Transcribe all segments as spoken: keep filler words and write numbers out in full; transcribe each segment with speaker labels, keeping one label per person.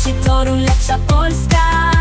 Speaker 1: wolności, Toruń, lepsza Polska.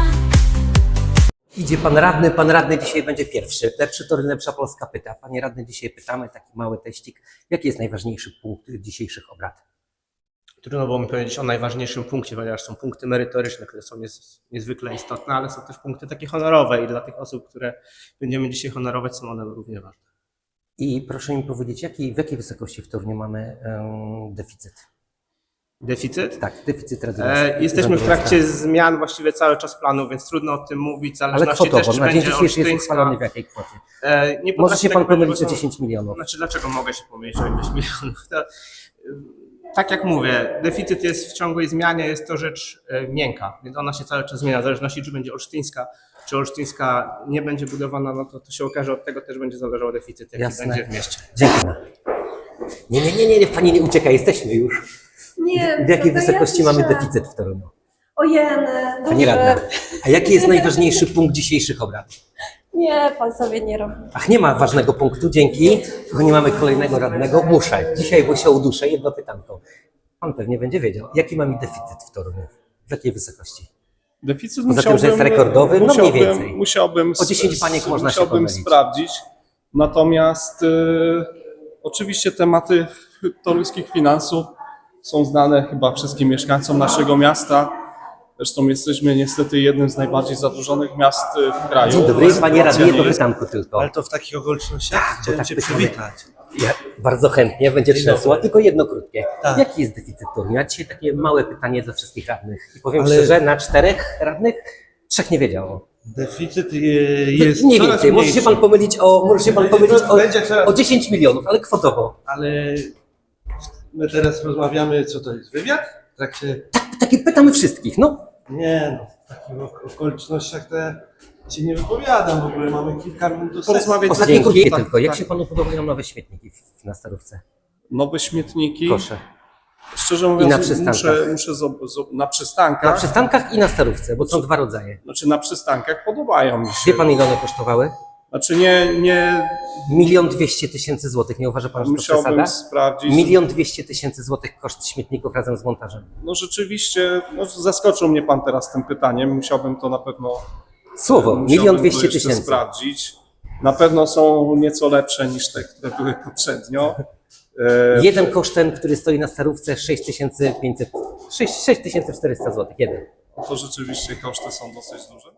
Speaker 2: Idzie pan radny, pan radny dzisiaj będzie pierwszy. Lepszy Toruń, lepsza Polska pyta. Panie radny, dzisiaj pytamy, taki mały teścik. Jaki jest najważniejszy punkt dzisiejszych obrad?
Speaker 3: Trudno było mi powiedzieć o najważniejszym punkcie, ponieważ są punkty merytoryczne, które są niez, niezwykle istotne, ale są też punkty takie honorowe i dla tych osób, które będziemy dzisiaj honorować, są one równie ważne.
Speaker 2: I proszę mi powiedzieć, jaki, w jakiej wysokości w Toruniu mamy um, deficyt?
Speaker 3: Deficyt?
Speaker 2: Tak, deficyt
Speaker 3: E,
Speaker 2: radiowojenny.
Speaker 3: jesteśmy w trakcie zmian właściwie cały czas planu, więc trudno o tym mówić, w
Speaker 2: Ale
Speaker 3: zależności
Speaker 2: kwotowo,
Speaker 3: też, czy
Speaker 2: na dzień
Speaker 3: będzie
Speaker 2: dzisiejszy jest
Speaker 3: olsztyńska-
Speaker 2: uchwalony w jakiej kwocie?
Speaker 3: E, nie
Speaker 2: Może się
Speaker 3: potrafię
Speaker 2: pan
Speaker 3: tego
Speaker 2: pomylić o
Speaker 3: powiedzieć,
Speaker 2: dziesięć milionów.
Speaker 3: Znaczy, dlaczego mogę się pomylić o ileś milionów? To, tak jak mówię, deficyt jest w ciągłej zmianie, jest to rzecz e, miękka, więc ona się cały czas zmienia, w zależności czy będzie olsztyńska, czy olsztyńska nie będzie budowana, no to, to się okaże, od tego też będzie zależał deficyt, jaki
Speaker 2: Jasne.
Speaker 3: będzie w mieście.
Speaker 2: Dziękuję. Nie, nie, nie, nie, nie, pani nie ucieka, jesteśmy już.
Speaker 4: Nie,
Speaker 2: W jakiej
Speaker 4: to
Speaker 2: wysokości
Speaker 4: ja
Speaker 2: mamy
Speaker 4: piszę.
Speaker 2: deficyt w Toruniu?
Speaker 4: Ojeny,
Speaker 2: Pani
Speaker 4: dobrze.
Speaker 2: radna, a jaki jest najważniejszy punkt dzisiejszych obrad?
Speaker 4: Nie, pan sobie nie robi.
Speaker 2: Ach, nie ma ważnego punktu, dzięki. Tylko nie mamy kolejnego radnego. Muszę. Dzisiaj, bo się uduszę, jedno pytanko. Pan pewnie będzie wiedział, jaki mamy deficyt w Toruniu? W jakiej wysokości?
Speaker 5: Deficyt
Speaker 2: Poza tym, że jest
Speaker 5: musiałbym-
Speaker 2: rekordowy, no mniej
Speaker 5: musiałbym-
Speaker 2: więcej.
Speaker 5: Musiałbym,
Speaker 2: O dziesięć
Speaker 5: s-
Speaker 2: baniek można się
Speaker 5: musiałbym
Speaker 2: pomylić.
Speaker 5: sprawdzić. Natomiast y, oczywiście tematy toruńskich finansów są znane chyba wszystkim mieszkańcom naszego miasta. Zresztą jesteśmy niestety jednym z najbardziej zadłużonych miast y, w kraju.
Speaker 2: Dzień dobry, panie radny, jedno
Speaker 5: Sytuacja
Speaker 2: pytanko tylko.
Speaker 6: Ale to w takich okolicznościach chciałem
Speaker 2: tak
Speaker 6: Cię
Speaker 2: byśmy-
Speaker 6: przywitać.
Speaker 2: Ja bardzo chętnie, będzie
Speaker 6: Dzień
Speaker 2: trzęsło,
Speaker 6: dobry.
Speaker 2: tylko jedno krótkie.
Speaker 6: Tak.
Speaker 2: Jaki jest deficyt Torunia? Dzisiaj takie małe pytanie dla wszystkich radnych. I powiem
Speaker 6: Ale-
Speaker 2: szczerze, na czterech radnych trzech nie wiedziało.
Speaker 6: Deficyt e, jest
Speaker 2: nie
Speaker 6: coraz
Speaker 2: więcej, może się
Speaker 6: mniejszy,
Speaker 2: pan pomylić o, może się pan
Speaker 6: Będzie
Speaker 2: pomylić
Speaker 6: to-
Speaker 2: o,
Speaker 6: będzie coraz-
Speaker 2: o dziesięć milionów, ale kwotowo.
Speaker 6: ale my teraz rozmawiamy, co to jest, wywiad? W trakcie...
Speaker 2: Takie pytamy wszystkich, no.
Speaker 6: Nie no, w takich ok- okolicznościach to ja Ci nie wypowiadam w ogóle, mamy kilka minut do sesji.
Speaker 3: Porozmawiać
Speaker 2: Ostatnie
Speaker 3: Dzięki.
Speaker 2: krótkie
Speaker 3: Tak,
Speaker 2: tylko. Jak
Speaker 3: tak.
Speaker 2: się panu podobają nowe śmietniki w, na Starówce?
Speaker 5: Nowe śmietniki.
Speaker 2: Proszę.
Speaker 5: Szczerze mówiąc,
Speaker 2: na przystankach.
Speaker 5: muszę, muszę zob- zob- na przystankach.
Speaker 2: Na przystankach i na Starówce, bo są dwa rodzaje.
Speaker 5: Znaczy na przystankach podobają mi się.
Speaker 2: Wie pan, ile one kosztowały?
Speaker 5: Znaczy nie, nie
Speaker 2: Milion dwieście tysięcy złotych. Nie uważa pan, że to
Speaker 5: musiałbym
Speaker 2: przesada?
Speaker 5: sprawdzić.
Speaker 2: Milion dwieście tysięcy złotych koszt śmietników razem z montażem.
Speaker 5: No rzeczywiście, no zaskoczył mnie pan teraz tym pytaniem. Musiałbym to na pewno
Speaker 2: Słowo,
Speaker 5: musiałbym
Speaker 2: milion
Speaker 5: to
Speaker 2: dwieście
Speaker 5: jeszcze
Speaker 2: tysięcy.
Speaker 5: sprawdzić. Na pewno są nieco lepsze niż te, które były poprzednio. E,
Speaker 2: Jeden kosztem, który stoi na Starówce, sześć tysięcy pięćset, sześć tysięcy czterysta złotych. Jeden.
Speaker 5: To rzeczywiście koszty są dosyć duże.